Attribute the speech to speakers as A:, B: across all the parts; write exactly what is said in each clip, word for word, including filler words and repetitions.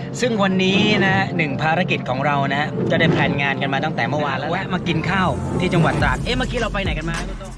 A: ซึ่งวันนี้นะหนึ่งภารกิจของเรานะจะได้แพลนงานกันมาตั้งแต่เมื่อวานแล้วแวะมากินข้าวที่จังหวัดตราดเอ๊ะเมื่อกี้เราไปไหนกันมาคุณโต้ง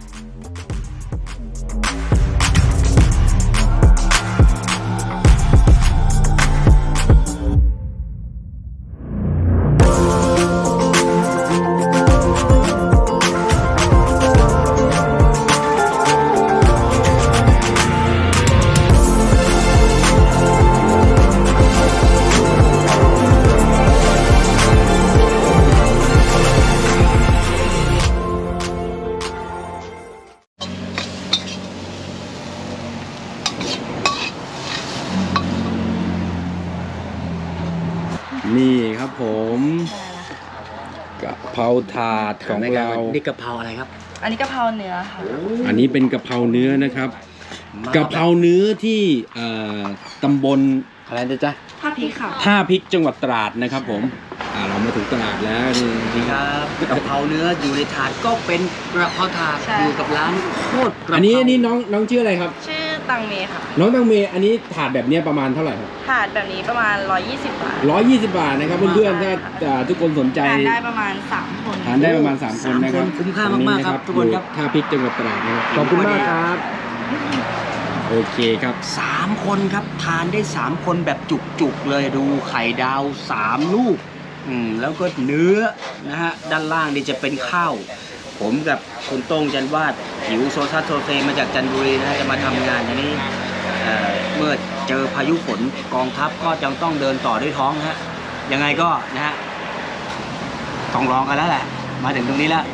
B: นี่ครับผมกะเพราถาดของเรา
A: นี่กะเพราอะไรครับ
C: อันนี้กะเพราเนื้อค่ะ
B: อันนี้เป็นกะเพราเนื้อนะครับกะเพราเนื้อที่เอ่อตำบลอะไรนะจ๊ะ
C: ท่าพริกค่ะ
B: ท่าพริกจังหวัดตราดนะครับผมอ่าเรามาถึงตราดแล้วนี่
A: นี่ครับกะเพราเนื้ออยู่ในถาดก็เป็นกระเพราถาด
C: ใช่
A: อยู่กับร้านโคตรกระเพรา
B: อันนี้อันนี้น้องน้องชื่ออะไรครับ
C: ชื่อตังเมค่ะ
B: น้องตังเมย์อันนี้ถาดแบบเนี้ยประมาณเท่าไหร่ครับ
C: ถาดแบบนี้ประมาณร้อยยี่สิบบาท
B: ร้อยยี่สิบบาทนะครับเพื่อนๆถ้าอ่าทุกคนสนใจ
C: ทานได้ประมาณสามคน
B: ทานได้ประมาณสามคนนะครับ
A: สามคนคุ้มค่ามากๆครับทุกคนครับ
B: ท่าพริกจังหวัดตราดนะครับขอบคุณมากครับโอเคครับ
A: สามคนครับทานได้สามคนแบบจุกๆเลยดูไข่ดาวสามลูกอืมแล้วก็เนื้อนะฮะด้านล่างนี่จะเป็นข้าวผมกับคุณโต้งจันวาดหิวโซซัสโซเซมาจากจันทบุรีนะฮะจะมาทำงานอันนี้เอ่อเมื่อเจอพายุฝนกองทัพก็จังต้องเดินต่อด้วยท้องนะฮะยังไงก็นะฮะต้องลองกันแล้วแหละมาถึงตรงนี้แล้ว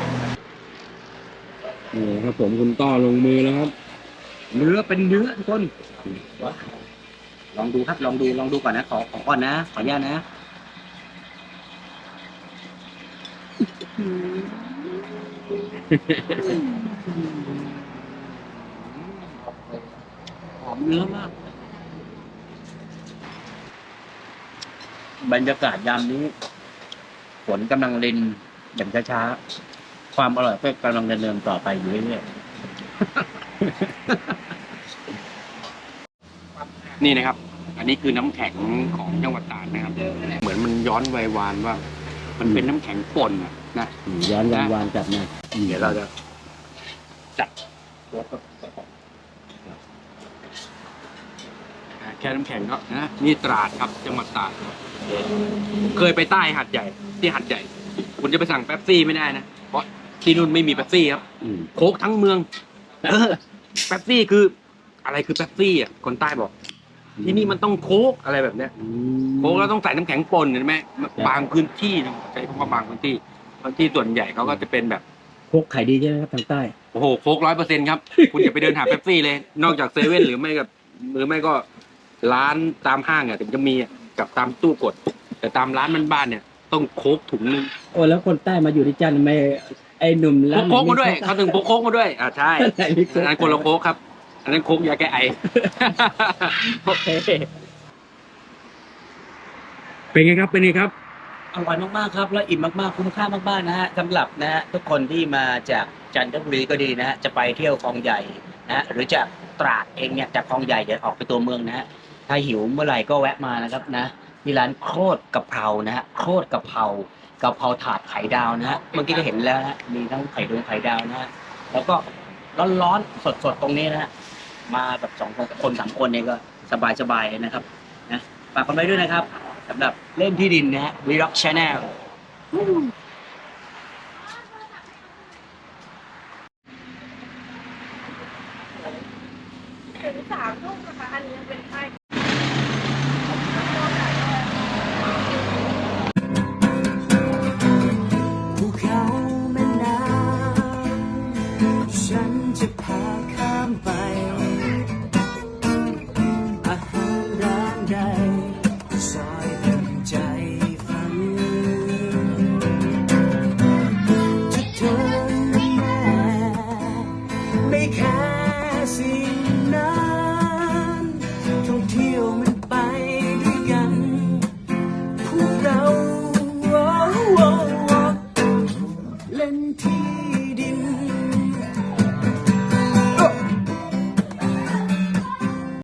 B: นี่ครับผมคุณต้อลงมือแล้วครับ
A: เนื้อเป็นเนื้อทุกคนลองดูครับลองดูลองดูก่อนนะขอขอก่อนนะขออนุญาตนะหอมเนื้อมากบรรยากาศยามนี้ฝนกำลังรินอย่างช้าๆความอร่อยก็กำลังดำเนินต่อไปอยู่เรื่อยๆ
B: นี่นะครับ อันนี้คือน้ำแข็งของจังหวัดตราดนะครับ เหมือนมันย้อนวัยวานว่า มันเป็นน้ำแข็งป่นอะนะ
A: ย้อนวันวานกลับมา
B: เดี๋ยวเราจะจัดแค่น้ำแข็งก็นะนี่ตราดครับจังหวัดตราดเคยไปใต้หัดใหญ่ที่หัดใหญ่ คุณจะไปสั่งเป๊ปซี่ไม่ได้นะเพราะที่นู่นไม่มีเป๊ปซี่ครับโค้กทั้งเมืองเออเป๊ปซี่คืออะไรคือเป๊ปซี่อ่ะคนใต้บอก ที่นี่มันต้องโค้กอะไรแบบเนี้ยโค้กแล้วต้องใส่น้ำแข็งป่นเห็นไหมบางพื้นที่นะใช้คำว่าบางพื้นที่พื้นที่ส่วนใหญ่เขาก็จะเป็นแบบ
A: โคกไข่ดีใช่ไหมครับทางใต้
B: โอ้โหโค้กร้อยเปอร์เซ็นต์ครับ คุณอย่าไปเดินหาเป๊ปซี่เลย นอกจากเซเว่นหรือไม่กับหรือไม่ก็ร้านตามห้างอ่ะถึงจะมีอ่ะกับตามตู้กด แต่ตามร้านบ้านๆเนี่ยต้องโค้กถุงนึง
A: โอ้แล้วคนใต้มาอยู่ที่จันทร์ไม่ไอ้หนุ่ม
B: พ
A: ร้าก น
B: โค้กมาด้วยเขาถึงพกโค้กมาด้วยอ่าใช่
A: ไหนมีโค้ก
B: อันนั้นคนละโค้กครับ อันนั้นโค้กยาแก้ไอ
A: โอเค
B: เป็นไงครับเป็นไงครับ
A: อร่อยมากๆครับแล้วอิ่มมากๆคุ้มค่ามากๆนะฮะสำหรับนะฮะทุกคนที่มาจากจันทบุรีก็ดีนะฮะจะไปเที่ยวคลองใหญ่นะฮะหรือจากตราดเองเนี่ยจากคลองใหญ่เดี๋ยวออกไปตัวเมืองนะฮะถ้าหิวเมื่อไหร่ก็แวะมานะครับนะที่ร้านโคตรกะเพรานะฮะโคตรกะเพรากะเพราถาดไข่ดาวนะฮะเมื่อกี้ก็เห็นแล้วนะฮะมีทั้งไข่ดวงไข่ดาวนะฮะแล้วก็ร้อนๆสดๆตรงนี้นะฮะมาแบบสองคนคนสามคนเนี่ยก็สบายๆเลยนะครับนะฝากกันไว้ด้วยนะครับสำหรับเล่นที่ดินนะฮะ Vlog Channel
C: ถึงสามทุ่มนะคะ อันนี้เป็นไส้
D: ภูเขาแม่น้ำฉันจะพาข้ามไป